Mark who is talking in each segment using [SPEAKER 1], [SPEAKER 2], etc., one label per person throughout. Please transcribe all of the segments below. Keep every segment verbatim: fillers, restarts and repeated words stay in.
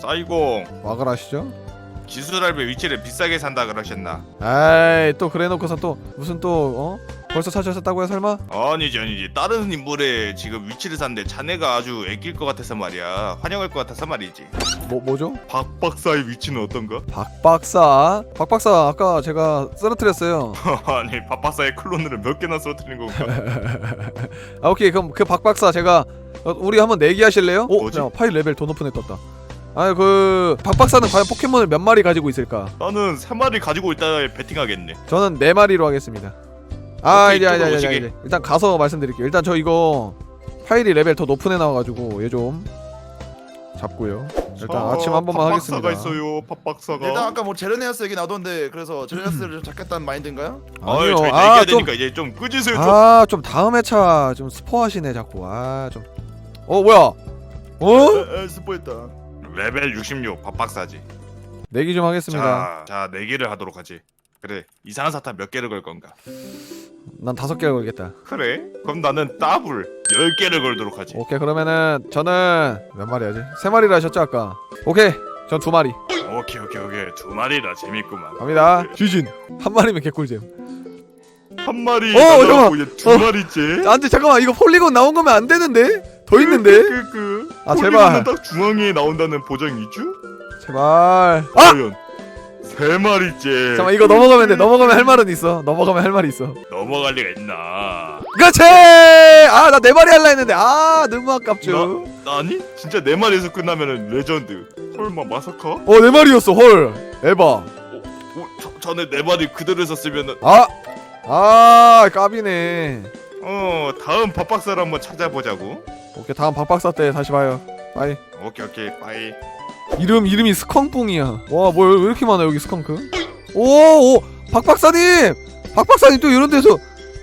[SPEAKER 1] 싸이공
[SPEAKER 2] 와글 아시죠?
[SPEAKER 1] 기술할배 위치를 비싸게 산다 그러셨나?
[SPEAKER 2] 에이 또 그래놓고서 또 무슨 또 어? 벌써 찾으셨다고요 설마?
[SPEAKER 1] 아니지 아니지 다른 인물의 지금 위치를 샀는데 자네가 아주 애낄 것 같아서 말이야. 환영할 것 같아서 말이지.
[SPEAKER 2] 뭐 뭐죠?
[SPEAKER 1] 박 박사의 위치는 어떤가?
[SPEAKER 2] 박 박사? 박 박사 아까 제가 쓰러뜨렸어요.
[SPEAKER 1] 아니 박 박사의 클론을 몇 개나 쓰러뜨린 건가?
[SPEAKER 2] 아 오케이 그럼 그 박 박사 제가 어, 우리 한번 내기 하실래요? 오,
[SPEAKER 1] 뭐지?
[SPEAKER 2] 야, 파일 레벨 더 높은 애 떴다. 아니 그 박 박사는 과연 포켓몬을 몇 마리 가지고 있을까?
[SPEAKER 1] 나는 세 마리 가지고 있다 배팅하겠네.
[SPEAKER 2] 저는 네 마리로 하겠습니다. 아
[SPEAKER 1] 오케이,
[SPEAKER 2] 이제 이제
[SPEAKER 1] 이쪽으로
[SPEAKER 2] 이제
[SPEAKER 1] 오시게.
[SPEAKER 2] 이제 일단 가서 말씀드릴게요. 일단 저 이거 파일이 레벨 더 높은 애 나와가지고 얘 좀 잡고요. 일단 아침 한 번만 하겠습니다.
[SPEAKER 1] 박박사가 있어요. 박박사가.
[SPEAKER 3] 일단 아까 뭐 제르네아스 얘기 나오던데 그래서 제르네아스를 좀 잡겠다는 마인드인가요?
[SPEAKER 1] 아유 저희
[SPEAKER 2] 아,
[SPEAKER 1] 내기해야
[SPEAKER 2] 좀-
[SPEAKER 1] 되니까 이제 좀 끄지세요 좀.
[SPEAKER 2] 아, 좀 다음 회차 좀 스포하시네 자꾸. 아, 좀. 어, 뭐야? 어?
[SPEAKER 3] 에, 에 스포했다.
[SPEAKER 1] 레벨 육십육 박박사지.
[SPEAKER 2] 내기 좀 하겠습니다.
[SPEAKER 1] 자, 자 내기를 하도록 하지. 그래 이상한 사탕 몇 개를 걸 건가?
[SPEAKER 2] 난 다섯 개를 걸겠다.
[SPEAKER 1] 그래? 그럼 나는 더블 열 개를 걸도록 하지.
[SPEAKER 2] 오케이, 그러면은 저는 몇 마리 하지? 세 마리를 하셨죠 아까? 오케이, 전 두 마리.
[SPEAKER 1] 오케이 오케이 오케이 두 마리라 재밌구만.
[SPEAKER 2] 갑니다. 쥐진 한 마리면 개꿀잼.
[SPEAKER 1] 한 마리
[SPEAKER 2] 어,
[SPEAKER 1] 나가고
[SPEAKER 2] 잠깐만.
[SPEAKER 1] 이제 두
[SPEAKER 2] 어.
[SPEAKER 1] 마리째.
[SPEAKER 2] 안돼 잠깐만 이거 폴리곤 나온 거면 안 되는데? 더 있는데?
[SPEAKER 1] 그, 그,
[SPEAKER 2] 아,
[SPEAKER 1] 폴리곤은
[SPEAKER 2] 제발.
[SPEAKER 1] 딱 중앙에 나온다는 보장이 있죠?
[SPEAKER 2] 제발. 아!
[SPEAKER 1] 과연 세 마리째.
[SPEAKER 2] 잠깐만 이거 넘어가면 돼. 넘어가면 할 말은 있어. 넘어가면 할 말이 있어.
[SPEAKER 1] 넘어갈 리가 있나?
[SPEAKER 2] 그렇지! 아, 나 네 마리 할라 했는데 아, 너무 아깝죠.
[SPEAKER 1] 나, 아니? 진짜 네 마리에서 끝나면은 레전드. 설마 마사카? 어,
[SPEAKER 2] 어, 네 마리였어. 헐. 에바.
[SPEAKER 1] 어, 저, 전에 네 마리 그대로 썼으면은
[SPEAKER 2] 아! 아, 까비네.
[SPEAKER 1] 어 다음 밥박사를 한번 찾아보자고.
[SPEAKER 2] 오케이, 다음 박박사 때 다시 봐요. 빠이.
[SPEAKER 1] 오케이 오케이 빠이.
[SPEAKER 2] 이름 이름이 스컹뿡이야. 와, 뭐 왜 이렇게 많아 여기 스컹크? 오, 오, 박박사님. 박박사님 또 이런 데서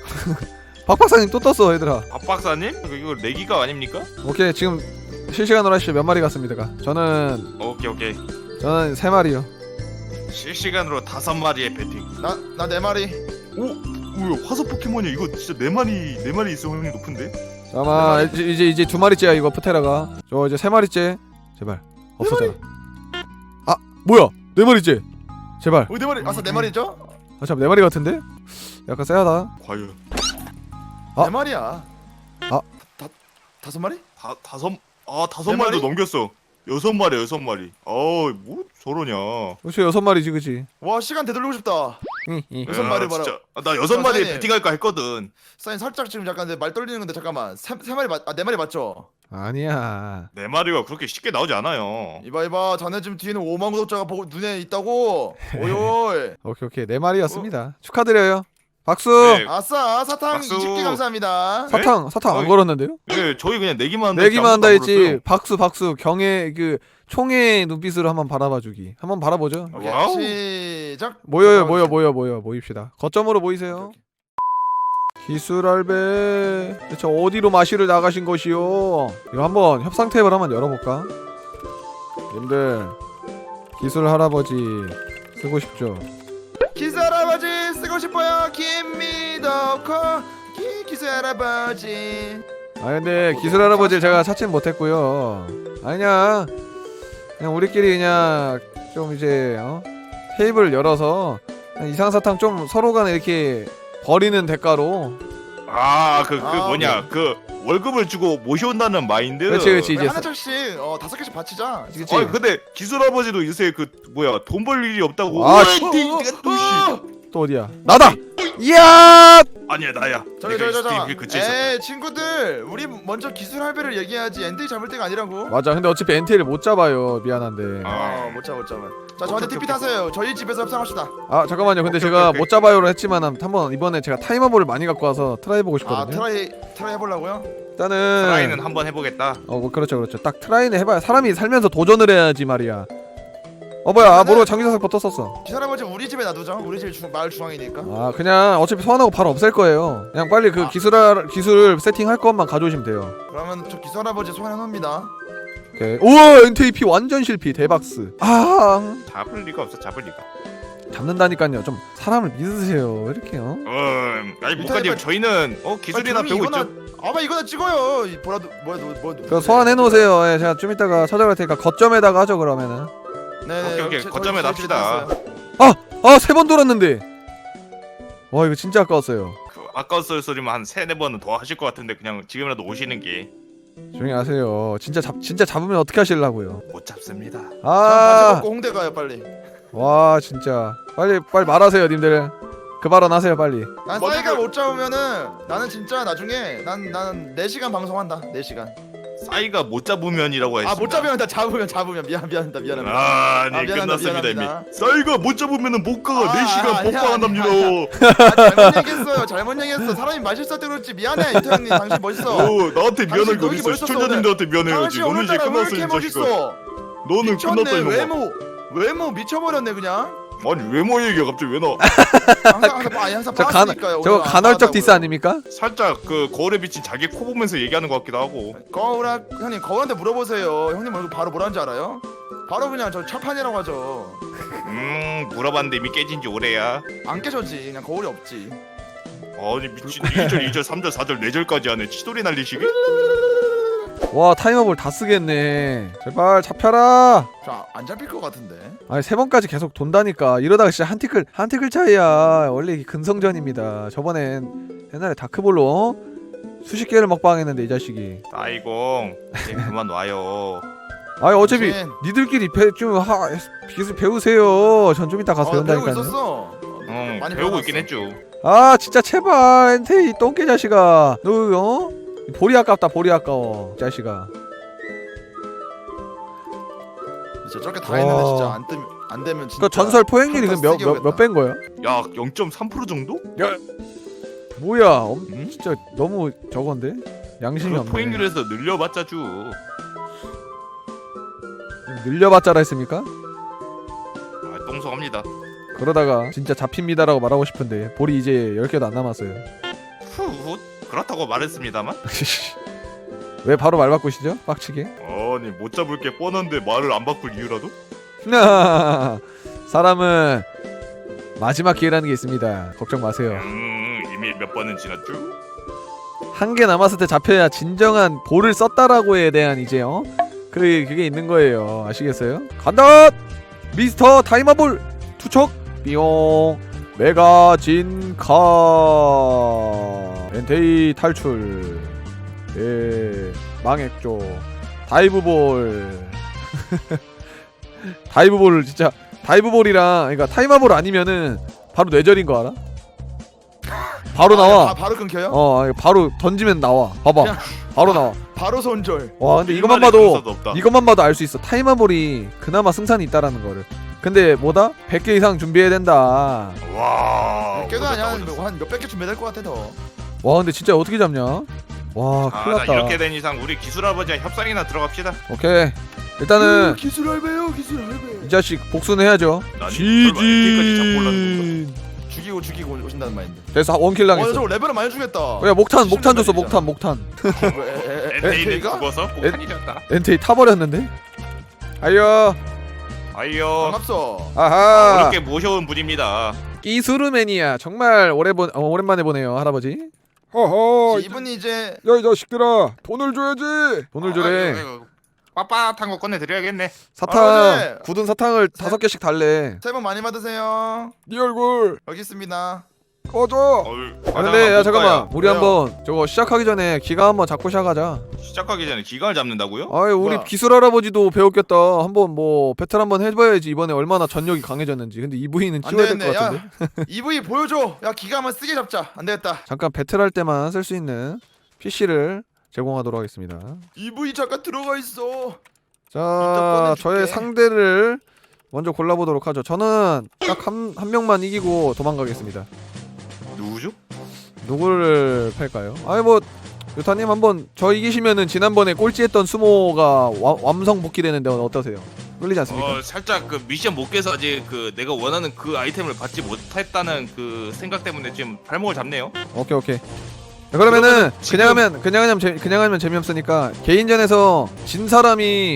[SPEAKER 2] 박박사님 또 떴어, 얘들아.
[SPEAKER 1] 밥박사님? 이거 내기가 아닙니까?
[SPEAKER 2] 오케이, 지금 실시간으로 하시죠. 몇 마리 갔습니까? 저는
[SPEAKER 1] 오케이 오케이.
[SPEAKER 2] 저는 세 마리요.
[SPEAKER 1] 실시간으로 다섯 마리의 배팅.
[SPEAKER 3] 나나 네 마리.
[SPEAKER 1] 오, 뭐야 화석 포켓몬이야. 이거 진짜 네 마리 네 마리 있어 확률이 높은데?
[SPEAKER 2] 잠깐만, 이제 이제 이제 두 마리째야 이거 프테라가. 저 이제 세 마리째. 제발 없어져라. 아, 뭐야? 네 마리째. 제발.
[SPEAKER 3] 어, 네 마리. 아싸 네 마리죠?
[SPEAKER 2] 아, 잠 네 마리 같은데? 약간 세하다.
[SPEAKER 1] 과연
[SPEAKER 2] 아.
[SPEAKER 3] 네 마리야.
[SPEAKER 2] 아.
[SPEAKER 3] 다 다섯 마리?
[SPEAKER 1] 다 다섯 아 다섯
[SPEAKER 3] 네
[SPEAKER 1] 마리도
[SPEAKER 3] 마리?
[SPEAKER 1] 넘겼어. 여섯 마리 여섯 마리. 어뭐 저러냐?
[SPEAKER 2] 그렇지, 여섯 마리지, 그치?
[SPEAKER 3] 와 시간 되돌리고 싶다.
[SPEAKER 2] 여섯
[SPEAKER 3] 여섯 마리 봐라.
[SPEAKER 1] 진짜. 아, 나 여섯 마리
[SPEAKER 3] 사장님.
[SPEAKER 1] 배팅할까 했거든.
[SPEAKER 3] 사인 살짝 지금 약간 내 말 떨리는 건데 잠깐만. 세, 세 마리 맞, 아, 네 마리 맞죠?
[SPEAKER 2] 아니야.
[SPEAKER 1] 네 마리가 그렇게 쉽게 나오지 않아요.
[SPEAKER 3] 이봐 이봐 자네 지금 뒤에는 오만 구독자가 보고 눈에 있다고. 오이오이.
[SPEAKER 2] 오케이, 오케이. 네 마리였습니다. 축하드려요. 박수.
[SPEAKER 1] 네.
[SPEAKER 3] 아싸 사탕
[SPEAKER 1] 박수.
[SPEAKER 3] 이십 개 감사합니다.
[SPEAKER 2] 사탕, 사탕 안
[SPEAKER 1] 어이.
[SPEAKER 2] 걸었는데요?
[SPEAKER 1] 네, 저희 그냥 내기만 한다.
[SPEAKER 2] 내기만 한다
[SPEAKER 1] 아무것도 안
[SPEAKER 2] 했지.
[SPEAKER 1] 물었어요.
[SPEAKER 2] 박수, 박수. 경의 그 총의 눈빛으로 한번 바라봐주기. 한번 바라보죠.
[SPEAKER 3] 오케이,
[SPEAKER 1] 와우.
[SPEAKER 3] 시작.
[SPEAKER 2] 모여요, 모여, 모여, 모여, 모입시다. 거점으로 모이세요. 기술할배, 대체 어디로 마시를 나가신 것이요? 이거 한번 협상 탭을 한번 열어볼까? 님들, 기술 할아버지 쓰고 싶죠?
[SPEAKER 3] 기수 할아버지 쓰고 싶어요. 김미더코 기 기수 할아버지.
[SPEAKER 2] 아 근데 기술 할아버지를 제가 찾진 못했고요. 아니냐, 그냥 우리끼리 그냥 좀 이제 어? 테이블 열어서 그냥 이상사탕 좀 서로 간에 이렇게 버리는 대가로.
[SPEAKER 1] 아, 그, 그
[SPEAKER 3] 아,
[SPEAKER 1] 뭐냐, 그 월급을 주고 모셔온다는 마인드.
[SPEAKER 2] 그렇지, 그렇지.
[SPEAKER 3] 우리
[SPEAKER 2] 이제
[SPEAKER 3] 하나 짝씩 어 다섯 개씩 바치자.
[SPEAKER 2] 그치.
[SPEAKER 1] 아, 근데 기술 아버지도 요새 그 뭐야 돈 벌 일이 없다고.
[SPEAKER 2] 아,
[SPEAKER 1] 아,
[SPEAKER 2] 씨.
[SPEAKER 1] 씨. 또 씨.
[SPEAKER 2] 또 어디야? 나다. 이야.
[SPEAKER 1] 아니야 나야.
[SPEAKER 3] 저기
[SPEAKER 1] 내가
[SPEAKER 3] 저기 저기.
[SPEAKER 1] 스팀 근처에 있었다.
[SPEAKER 3] 에이 친구들 우리 먼저 기술 할배를 얘기해야지 엔딩 잡을 때가 아니라고.
[SPEAKER 2] 맞아. 근데 어차피 엔티를 못 잡아요. 미안한데.
[SPEAKER 1] 아.
[SPEAKER 3] 어, 못 잡아 못 잡아. 자 저한테
[SPEAKER 1] 오케이,
[SPEAKER 3] 티피
[SPEAKER 1] 오케이.
[SPEAKER 3] 타세요. 저희 집에서 협상합시다.
[SPEAKER 2] 아 잠깐만요. 근데
[SPEAKER 1] 오케이,
[SPEAKER 2] 제가
[SPEAKER 1] 오케이,
[SPEAKER 2] 못 잡아요로 했지만 한번 이번에 제가 타이머볼을 많이 갖고 와서 트라이 해보고
[SPEAKER 3] 아
[SPEAKER 2] 싶거든요.
[SPEAKER 3] 트라이 트라이 해보려고요?
[SPEAKER 2] 일단은
[SPEAKER 1] 트라이는 한번 해보겠다.
[SPEAKER 2] 어 뭐, 그렇죠 그렇죠. 딱 트라이는 해봐야 사람이 살면서 도전을 해야지 말이야. 어 뭐야? 아, 모르고 장기사석 붙었었어.
[SPEAKER 3] 기술 할아버지 우리 집에 놔두죠. 우리 집 주, 마을 중앙이니까.
[SPEAKER 2] 아 그냥 어차피 소환하고 바로 없앨 거예요. 그냥 빨리 그
[SPEAKER 3] 아.
[SPEAKER 2] 기술 기술 세팅할 것만 가져오시면 돼요.
[SPEAKER 3] 그러면 저 기술 할아버지 소환해 놓습니다.
[SPEAKER 2] 오케이. 우와 엔티에이피 완전 실패 대박스. 아
[SPEAKER 1] 잡을 리가 없어 잡을 리가.
[SPEAKER 2] 잡는다니까요. 좀 사람을 믿으세요. 왜 이렇게요?
[SPEAKER 1] 음, 아니
[SPEAKER 3] 인터넷
[SPEAKER 1] 목사님
[SPEAKER 3] 빨리-
[SPEAKER 1] 저희는 어 기술이나
[SPEAKER 3] 아니,
[SPEAKER 1] 배우고
[SPEAKER 3] 이거나,
[SPEAKER 1] 있죠.
[SPEAKER 3] 아마 이거나 찍어요. 이 뭐라도 뭐야 뭐 뭐.
[SPEAKER 2] 그 소환해 놓으세요. 예, 제가 좀 이따가 찾아갈 테니까 거점에다가 하죠 그러면은.
[SPEAKER 3] 네.
[SPEAKER 1] 오케이, 오케이. 거점에 납시다.
[SPEAKER 2] 아 세 번 돌았는데. 와 이거 진짜 아까웠어요.
[SPEAKER 1] 그 아까웠을 소리만 한 세네 번은 더 하실 것 같은데 그냥 지금이라도 오시는 게 못
[SPEAKER 2] 조용히 하세요. 진짜 잡 진짜 잡으면 어떻게 하시려고요?
[SPEAKER 1] 잡습니다.
[SPEAKER 3] 바지
[SPEAKER 2] 아,
[SPEAKER 3] 벗고 홍대 가요 빨리.
[SPEAKER 2] 와 진짜 빨리 빨리 말하세요, 님들. 그 발언 하세요 빨리.
[SPEAKER 3] 난
[SPEAKER 1] 먼저
[SPEAKER 3] 싸이가
[SPEAKER 1] 그-
[SPEAKER 3] 못 잡으면은 나는 진짜 나중에 난 나는 네 시간 방송한다. 네 시간.
[SPEAKER 1] 싸이가 못 잡으면이라고 했습니다.
[SPEAKER 3] 아 못 잡으면 나 잡으면 잡으면 미안 미안합니다 미안합니다.
[SPEAKER 1] 아,
[SPEAKER 3] 아,
[SPEAKER 1] 네
[SPEAKER 3] 미안합니다,
[SPEAKER 1] 끝났습니다
[SPEAKER 3] 미안합니다.
[SPEAKER 1] 이미. 싸이가 못 잡으면은 못 가가
[SPEAKER 3] 아,
[SPEAKER 1] 네 시간
[SPEAKER 3] 아니야,
[SPEAKER 1] 복방한답니다.
[SPEAKER 3] 아니야, 아, 잘못 얘기했어요. 잘못 얘기했어. 사람이 맛있을 때 그렇지. 미안해 이태 형님. 당신 멋있어.
[SPEAKER 1] 어, 나한테 미안할
[SPEAKER 3] 당신
[SPEAKER 1] 거
[SPEAKER 3] 여기
[SPEAKER 1] 있어.
[SPEAKER 3] 멋있었어,
[SPEAKER 1] 시청자님들한테 미안해야지.
[SPEAKER 3] 당신
[SPEAKER 1] 너는 이제
[SPEAKER 3] 오늘따라 왜
[SPEAKER 1] 끝났어
[SPEAKER 3] 이렇게
[SPEAKER 1] 이 자식아.
[SPEAKER 3] 멋있어?
[SPEAKER 1] 너는 끝났다
[SPEAKER 3] 미쳤네.
[SPEAKER 1] 이놈아.
[SPEAKER 3] 외모 외모 미쳐버렸네 그냥.
[SPEAKER 1] 아니 외모 얘기가 갑자기 왜 나와?
[SPEAKER 3] 항상 항상 아니 항상
[SPEAKER 2] 저 간,
[SPEAKER 3] 봤으니까요.
[SPEAKER 2] 저거
[SPEAKER 3] 오늘 안
[SPEAKER 2] 간헐적
[SPEAKER 3] 봤다고요.
[SPEAKER 2] 디스 아닙니까?
[SPEAKER 1] 살짝 그 거울에 비친 자기 코 보면서 얘기하는 것 같기도 하고.
[SPEAKER 3] 거울아 형님 거울한테 물어보세요. 형님 얼굴 바로 뭐라는지 알아요? 바로 그냥 저 철판이라고 하죠.
[SPEAKER 1] 음 물어봤는데 이미 깨진 지 오래야.
[SPEAKER 3] 안 깨졌지. 그냥 거울이 없지.
[SPEAKER 1] 아니 미친 일 절, 이 절, 삼 절, 사 절, 네 절까지 하네. 치돌이 날리시게?
[SPEAKER 2] 와 타이머볼 다 쓰겠네. 제발 잡혀라.
[SPEAKER 3] 저 안 잡힐 것 같은데.
[SPEAKER 2] 아니 세 번까지 계속 돈다니까. 이러다가 진짜 한 티클 한 티클 차이야. 원래 이게 근성전입니다. 저번엔 옛날에 다크볼로 어? 수십 개를 먹방했는데 이 자식이.
[SPEAKER 1] 아이공 이제 그만 와요.
[SPEAKER 2] 아니 어차피
[SPEAKER 3] 당신.
[SPEAKER 2] 니들끼리 배, 좀 하, 기술 배우세요. 전 좀 이따 가서
[SPEAKER 3] 어, 배우고
[SPEAKER 2] 배운다니까요.
[SPEAKER 3] 있었어.
[SPEAKER 1] 응
[SPEAKER 3] 많이
[SPEAKER 1] 배우고
[SPEAKER 3] 배워놨어.
[SPEAKER 1] 있긴 했죠.
[SPEAKER 2] 아 진짜 제발 엔테이 똥개 자식아. 너 어? 볼이 아깝다. 볼이 아까워. 이 자식아.
[SPEAKER 3] 진짜 저렇게 다 했는데
[SPEAKER 2] 와.
[SPEAKER 3] 진짜 안, 뜨, 안 되면 진짜.
[SPEAKER 2] 그 전설 포획률이
[SPEAKER 3] 평타
[SPEAKER 2] 몇
[SPEAKER 3] 세게
[SPEAKER 2] 몇 몇 배인 거예요?
[SPEAKER 1] 약 영 점 삼 퍼센트 정도?
[SPEAKER 2] 뭐야? 엄,
[SPEAKER 1] 응?
[SPEAKER 2] 진짜 너무 저건데? 양심이
[SPEAKER 1] 그
[SPEAKER 2] 없네.
[SPEAKER 1] 포획률에서 늘려봤자 주.
[SPEAKER 2] 늘려봤자라 했습니까?
[SPEAKER 1] 아 똥성합니다.
[SPEAKER 2] 그러다가 진짜 잡힙니다라고 말하고 싶은데 볼이 이제 열 개도 안 남았어요.
[SPEAKER 1] 후 그렇다고 말했습니다만.
[SPEAKER 2] 왜 바로 말 바꾸시죠? 빡치게.
[SPEAKER 1] 아니 못 잡을 게 뻔한데 말을 안 바꿀 이유라도?
[SPEAKER 2] 사람은 마지막 기회라는 게 있습니다. 걱정 마세요.
[SPEAKER 1] 음 이미 몇 번은 지났죠?
[SPEAKER 2] 한 개 남았을 때 잡혀야 진정한 볼을 썼다라고에 대한 이제 어? 그 그게 있는 거예요. 아시겠어요? 간다! 미스터 타이머볼 투척 삐용 메가 진카 엔테이 탈출 예 망했죠. 다이브볼 다이브볼 진짜 다이브볼이랑 그러니까 타이머볼 아니면은 바로 뇌절인 거 알아? 바로
[SPEAKER 3] 아,
[SPEAKER 2] 나와.
[SPEAKER 3] 아, 바로 끊겨요?
[SPEAKER 2] 어 바로 던지면 나와. 봐봐.
[SPEAKER 3] 그냥-
[SPEAKER 2] 바로 나와.
[SPEAKER 3] 바로 손절.
[SPEAKER 2] 와 근데 이것만
[SPEAKER 1] 일말의
[SPEAKER 2] 봐도
[SPEAKER 1] 근사도 없다.
[SPEAKER 2] 이것만 봐도 알 수 있어. 타이머볼이 그나마 승산이 있다라는 거를. 근데 뭐다? 백 개 이상 준비해야 된다.
[SPEAKER 1] 와.
[SPEAKER 3] 깨도
[SPEAKER 1] 오졌다,
[SPEAKER 3] 아니야.
[SPEAKER 1] 오졌어.
[SPEAKER 3] 한 몇백 개 준비될 것 같아 더.
[SPEAKER 2] 와 근데 진짜 어떻게 잡냐? 와
[SPEAKER 1] 아,
[SPEAKER 2] 큰일
[SPEAKER 1] 자,
[SPEAKER 2] 났다.
[SPEAKER 1] 이렇게 된 이상 우리 기술 아버지와 협상이나 들어갑시다.
[SPEAKER 2] 오케이 일단은
[SPEAKER 3] 기술 할배요 기술 할배.
[SPEAKER 2] 이 자식 복수는 해야죠.
[SPEAKER 1] 아니, 설마 엔티까지 잡고 올라는
[SPEAKER 2] 지진.
[SPEAKER 3] 죽이고 죽이고 오신다는 마인드.
[SPEAKER 2] 그래서 원킬
[SPEAKER 3] 어,
[SPEAKER 2] 당했어.
[SPEAKER 3] 저 레벨을 많이 주겠다.
[SPEAKER 2] 야 목탄 목탄 줬어
[SPEAKER 3] 시즌
[SPEAKER 2] 목탄 목탄.
[SPEAKER 1] 엔테이는
[SPEAKER 3] 엔테이가?
[SPEAKER 1] 죽어서
[SPEAKER 2] 엔-
[SPEAKER 1] 폭탄이 되었다.
[SPEAKER 2] 엔테이 타버렸는데? 아이요.
[SPEAKER 1] 아이요.
[SPEAKER 3] 반갑소.
[SPEAKER 2] 아하.
[SPEAKER 1] 어렵게 모셔온 분입니다.
[SPEAKER 2] 끼수르매니아 정말 오래 본 어, 오랜만에 보네요 할아버지. 허허.
[SPEAKER 3] 이분이 이제
[SPEAKER 2] 야 이 자식들아 돈을 줘야지. 돈을 주래.
[SPEAKER 1] 빳빳한 거 꺼내 드려야겠네.
[SPEAKER 2] 사탕
[SPEAKER 3] 할아버지.
[SPEAKER 2] 굳은 사탕을 다섯 개씩 달래.
[SPEAKER 3] 새해 복 많이 받으세요.
[SPEAKER 2] 네 얼굴
[SPEAKER 3] 여기 있습니다.
[SPEAKER 2] 꺼져. 아 근데 야 잠깐만 우리
[SPEAKER 3] 왜요?
[SPEAKER 2] 한번 저거 시작하기 전에 기가 한번 잡고 시작하자.
[SPEAKER 1] 시작하기 전에 기간을 잡는다고요?
[SPEAKER 2] 아이 우리
[SPEAKER 3] 뭐야?
[SPEAKER 2] 기술 할아버지도 배웠겠다. 한번 뭐 배틀 한번 해봐야지 이번에 얼마나 전력이 강해졌는지. 근데 이브이는
[SPEAKER 3] 안
[SPEAKER 2] 찍어야 될
[SPEAKER 3] 되겠네.
[SPEAKER 2] 것 같은데.
[SPEAKER 3] 야 이브이 보여줘. 야 기가 한번 쓰게 잡자. 안 되겠다.
[SPEAKER 2] 잠깐 배틀할 때만 쓸 수 있는 피씨를 제공하도록 하겠습니다.
[SPEAKER 3] 이브이 잠깐 들어가 있어.
[SPEAKER 2] 자
[SPEAKER 3] 꺼내줄게.
[SPEAKER 2] 저의 상대를 먼저 골라보도록 하죠. 저는 딱 한 한 명만 이기고 도망가겠습니다.
[SPEAKER 1] 누구죠?
[SPEAKER 2] 누구를 팔까요? 아니 뭐 요타님 한번 저 이기시면은 지난번에 꼴찌했던 수모가 와, 완성 복귀되는데 어떠세요? 끌리지 않습니까?
[SPEAKER 1] 어 살짝 그 미션 못 깨서 아직 그 내가 원하는 그 아이템을 받지 못했다는 그 생각 때문에 지금 발목을 잡네요.
[SPEAKER 2] 오케이 오케이. 자, 그러면은
[SPEAKER 1] 그러면은 지금-
[SPEAKER 2] 그냥 하면 그냥 하면 재, 그냥 하면 재미없으니까 개인전에서 진 사람이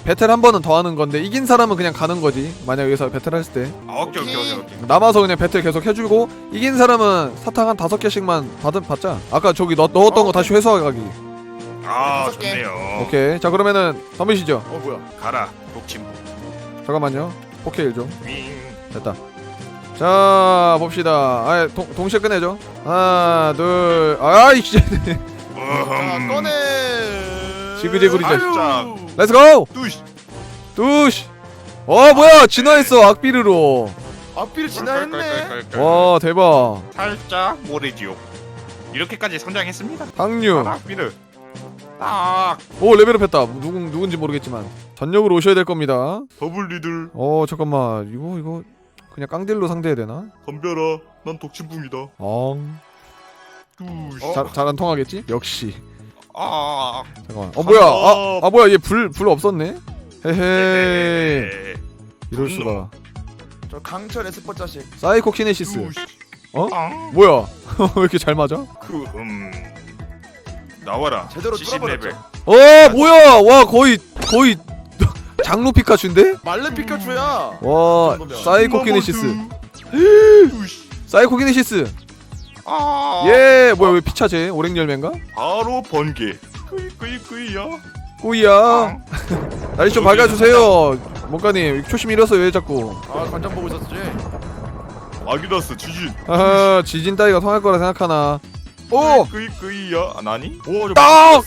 [SPEAKER 2] 배틀 한 번은 더 하는 건데 이긴 사람은 그냥 가는 거지. 만약 여기서 배틀 했을 때
[SPEAKER 1] 아, 오케이 오케이 오케이 오케이.
[SPEAKER 2] 남아서 그냥 배틀 계속 해주고 이긴 사람은 사탕 한 다섯 개씩만 받은 받자. 아까 저기 넣, 넣었던
[SPEAKER 3] 어,
[SPEAKER 2] 거 다시 회수하기.
[SPEAKER 1] 아
[SPEAKER 3] 다섯 개.
[SPEAKER 1] 좋네요.
[SPEAKER 2] 오케이. 자 그러면은 덤비시죠.
[SPEAKER 3] 어 뭐야?
[SPEAKER 1] 가라 독침부.
[SPEAKER 2] 잠깐만요. 포케일 좀.
[SPEAKER 1] 윙.
[SPEAKER 2] 됐다. 자 봅시다. 아 동, 동시에 꺼내죠. 하나 둘 아이씨.
[SPEAKER 3] 자
[SPEAKER 1] 어흠.
[SPEAKER 3] 꺼내.
[SPEAKER 2] 지그재그리
[SPEAKER 3] 아유.
[SPEAKER 1] 진짜.
[SPEAKER 2] 렛츠고.
[SPEAKER 1] 뚜시.
[SPEAKER 2] 두시. 어 뭐야 진화했어 악비르로.
[SPEAKER 3] 앞비를 지나했네.
[SPEAKER 2] 와 대박.
[SPEAKER 1] 살짝 모래지옥. 이렇게까지 성장했습니다.
[SPEAKER 2] 당류.
[SPEAKER 1] 아, 미르. 딱.
[SPEAKER 2] 오 레벨업했다. 누구 누군지 모르겠지만 전력으로 오셔야 될 겁니다.
[SPEAKER 1] 더블 리들.
[SPEAKER 2] 어 잠깐만 이거 이거 그냥 깡딜로 상대해야 되나?
[SPEAKER 1] 덤벼라. 난 독침부입니다.
[SPEAKER 2] 엉.
[SPEAKER 1] 뚜시.
[SPEAKER 3] 어?
[SPEAKER 2] 잘 잘 안 통하겠지? 역시.
[SPEAKER 1] 아.
[SPEAKER 2] 잠깐만. 어 뭐야? 아, 아 뭐야 얘 불 불 없었네. 헤헤.
[SPEAKER 1] 에.
[SPEAKER 2] 이럴 수가.
[SPEAKER 3] 저 강철 에스퍼 자식.
[SPEAKER 2] 사이코 키네시스.
[SPEAKER 1] 뚜시.
[SPEAKER 2] 어?
[SPEAKER 1] 아.
[SPEAKER 2] 뭐야? 왜 이렇게 잘 맞아?
[SPEAKER 1] 그 음. 나와라.
[SPEAKER 3] 제대로
[SPEAKER 1] 칠십
[SPEAKER 3] 뚫어버렸죠.
[SPEAKER 1] 레벨.
[SPEAKER 2] 어 뭐야? 와 거의 거의 장로 피카츄인데?
[SPEAKER 3] 말레 피카츄야.
[SPEAKER 2] 와
[SPEAKER 3] 정도면.
[SPEAKER 2] 사이코 키네시스.
[SPEAKER 1] 뚜시.
[SPEAKER 2] 사이코 키네시스.
[SPEAKER 1] 아.
[SPEAKER 2] 예 뭐야 왜 피차제? 오랭 열매인가?
[SPEAKER 1] 바로 번개. 꾸이 꾸이 꾸이야.
[SPEAKER 2] 꾸이야. 날씨 좀 밝아주세요. 뭔가님 초심 잃었어 왜 자꾸?
[SPEAKER 3] 아 관전 보고 있었지.
[SPEAKER 1] 아기다스 지진.
[SPEAKER 2] 아 지진 따위가 통할 거라 생각하나? 오!
[SPEAKER 1] 꾸이 꾸이야. 아, 나니? 오, 저
[SPEAKER 2] 딱!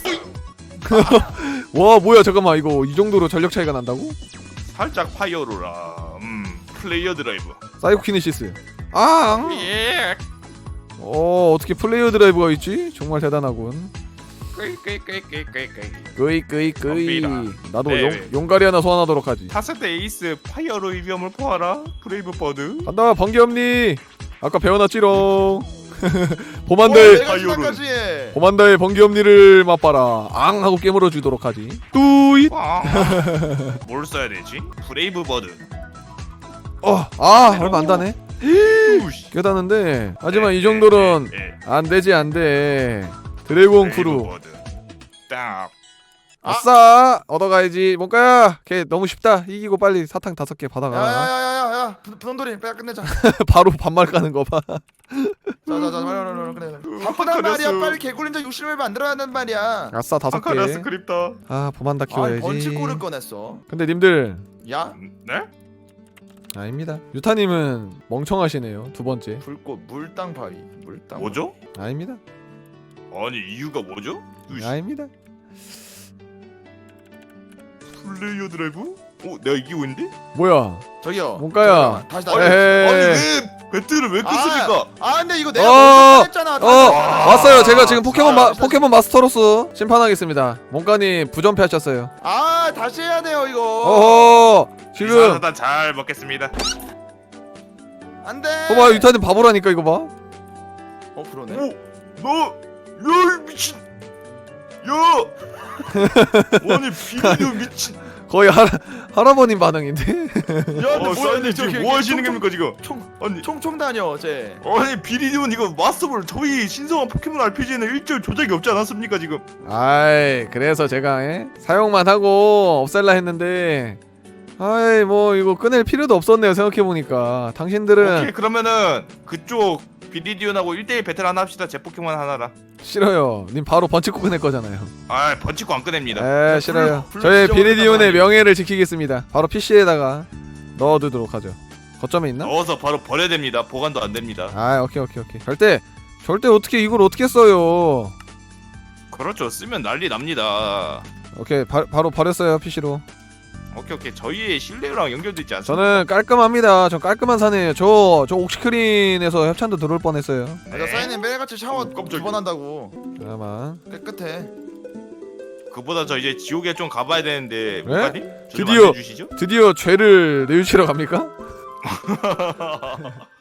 [SPEAKER 2] 와 뭐야 잠깐만 이거 이 정도로 전력 차이가 난다고?
[SPEAKER 1] 살짝 파이어로라. 음. 플레이어 드라이브.
[SPEAKER 2] 사이코 키네시스. 아!
[SPEAKER 1] 예.
[SPEAKER 2] 어 어떻게 플레이어 드라이브가 있지? 정말 대단하군.
[SPEAKER 1] 꾸이 꾸이 꾸이 꾸이 꾸이 꾸이.
[SPEAKER 2] 끄이 끄이 끄이.
[SPEAKER 1] 덤비라.
[SPEAKER 2] 나도
[SPEAKER 1] 네,
[SPEAKER 2] 용,
[SPEAKER 1] 네.
[SPEAKER 2] 용가리 하나 소환하도록 하지.
[SPEAKER 1] 타세대 에이스 파이어로 이비엄을 포하라. 브레이브 버드.
[SPEAKER 2] 간다 번개엄니. 아까 배워놨지롱.
[SPEAKER 3] 오,
[SPEAKER 2] 보만다의
[SPEAKER 3] 내가
[SPEAKER 1] 아이오른.
[SPEAKER 3] 지나까지 해.
[SPEAKER 2] 보만다의 번개엄니를 맛봐라. 앙 하고 깨물어 주도록 하지. 뚜잇.
[SPEAKER 1] 아. 뭘 써야 되지? 브레이브 버드.
[SPEAKER 2] 어, 아 얼마 안 다네.
[SPEAKER 1] 뚜시.
[SPEAKER 2] 깨닫는데 하지만 이 정도는
[SPEAKER 1] 예, 예.
[SPEAKER 2] 안 되지 안 돼. 드래곤 크루.
[SPEAKER 1] 브레이브 버드. 딱.
[SPEAKER 2] 아싸 얻어가야지. 뭔가야 걔 너무 쉽다. 이기고 빨리 사탕 다섯 개 받아가.
[SPEAKER 3] 야야야야야 분홍돌이 빨리 끝내자.
[SPEAKER 2] 바로 반말 까는 거 봐.
[SPEAKER 3] 자자자 빨리 빨리 끝내. 바쁘단 말이야. 빨리 개굴린자 육십 일 만들어야 한단 말이야.
[SPEAKER 2] 아싸 다섯 개.
[SPEAKER 1] 아카라 스크립터.
[SPEAKER 2] 아 보만다
[SPEAKER 3] 아
[SPEAKER 2] 키워야지.
[SPEAKER 3] 번치골을 꺼냈어.
[SPEAKER 2] 근데 님들
[SPEAKER 3] 야
[SPEAKER 1] 네?
[SPEAKER 2] 아닙니다. 유타님은 멍청하시네요. 두 번째.
[SPEAKER 3] 불꽃 물땅 바위 물땅.
[SPEAKER 1] 뭐죠?
[SPEAKER 2] 아닙니다.
[SPEAKER 1] 아니 이유가 뭐죠? 뚜시.
[SPEAKER 2] 아닙니다.
[SPEAKER 1] 플레이어 드라이브? 어, 내가 이기고 있는데?
[SPEAKER 2] 뭐야?
[SPEAKER 3] 저기요.
[SPEAKER 2] 뭔가야?
[SPEAKER 3] 잠깐만, 다시
[SPEAKER 1] 아니,
[SPEAKER 3] 다시.
[SPEAKER 2] 에헤이.
[SPEAKER 1] 아니 왜 배틀을 왜 끊습니까?
[SPEAKER 3] 아 근데 이거 내가
[SPEAKER 2] 어,
[SPEAKER 3] 먼저 했잖아.
[SPEAKER 2] 어
[SPEAKER 1] 아,
[SPEAKER 2] 왔어요. 제가 지금 포켓몬 마,
[SPEAKER 3] 아,
[SPEAKER 2] 포켓몬 마스터로서 심판하겠습니다. 몽가님 부전패하셨어요.
[SPEAKER 3] 아 다시 해야 돼요 이거.
[SPEAKER 2] 어허 지금
[SPEAKER 1] 일단 잘 먹겠습니다.
[SPEAKER 3] 안돼.
[SPEAKER 2] 봐봐 유타님 바보라니까 이거 봐.
[SPEAKER 3] 어 그러네.
[SPEAKER 1] 오, 너, 야 미친, 야, 아니 비디오 미친.
[SPEAKER 2] 거의 할 할아버님 반응인데.
[SPEAKER 3] 야 근데
[SPEAKER 1] 어,
[SPEAKER 3] 뭐야,
[SPEAKER 1] 사장님
[SPEAKER 3] 저기
[SPEAKER 1] 지금 뭐 하시는
[SPEAKER 3] 총-
[SPEAKER 1] 겁니까 지금?
[SPEAKER 3] 총
[SPEAKER 1] 아니,
[SPEAKER 3] 총총 다녀 쟤.
[SPEAKER 1] 아니 비리디온 이거 마스터볼 저희 신성한 포켓몬 알피지에는 일절 조작이 없지 않았습니까 지금?
[SPEAKER 2] 아이 그래서 제가 에? 사용만 하고 없앨라 했는데 아이 뭐 이거 꺼낼 필요도 없었네요 생각해보니까. 당신들은
[SPEAKER 1] 오케이 그러면은 그쪽 비리디온하고 일 대일 배틀 하나 합시다. 제 포켓몬 하나라.
[SPEAKER 2] 싫어요. 님 바로 번치고 꺼낼 거잖아요.
[SPEAKER 1] 아 번치고 안 꺼냅니다.
[SPEAKER 2] 에 싫어요.
[SPEAKER 3] 불-
[SPEAKER 2] 저희
[SPEAKER 3] 불-
[SPEAKER 2] 비리디온의
[SPEAKER 3] 불-
[SPEAKER 2] 명예를 지키겠습니다. 바로 피시에다가 넣어두도록 하죠. 거점에 있나?
[SPEAKER 1] 넣어서 바로 버려야 됩니다. 보관도 안 됩니다.
[SPEAKER 2] 아 오케이 오케이 오케이. 절대 절대 어떻게 이걸 어떻게 써요.
[SPEAKER 1] 그렇죠. 쓰면 난리 납니다.
[SPEAKER 2] 오케이 바, 바로 버렸어요 피시로.
[SPEAKER 1] 오케이 오케이 저희의 신뢰랑 연결돼 있지 않습니까?
[SPEAKER 2] 저는 깔끔합니다. 전 깔끔한 사내예요. 저저 옥시크린에서 협찬도 들어올 뻔했어요.
[SPEAKER 3] 맞아 사장님 매일같이 샤워
[SPEAKER 1] 어, 깜짝이야.
[SPEAKER 3] 두 번 한다고.
[SPEAKER 2] 잠깐만.
[SPEAKER 3] 깨끗해.
[SPEAKER 1] 그보다 저 이제 지옥에 좀 가봐야 되는데
[SPEAKER 2] 네?
[SPEAKER 1] 뭐가니?
[SPEAKER 2] 드디어.
[SPEAKER 1] 주시죠?
[SPEAKER 2] 드디어 죄를 뉘우치러 갑니까?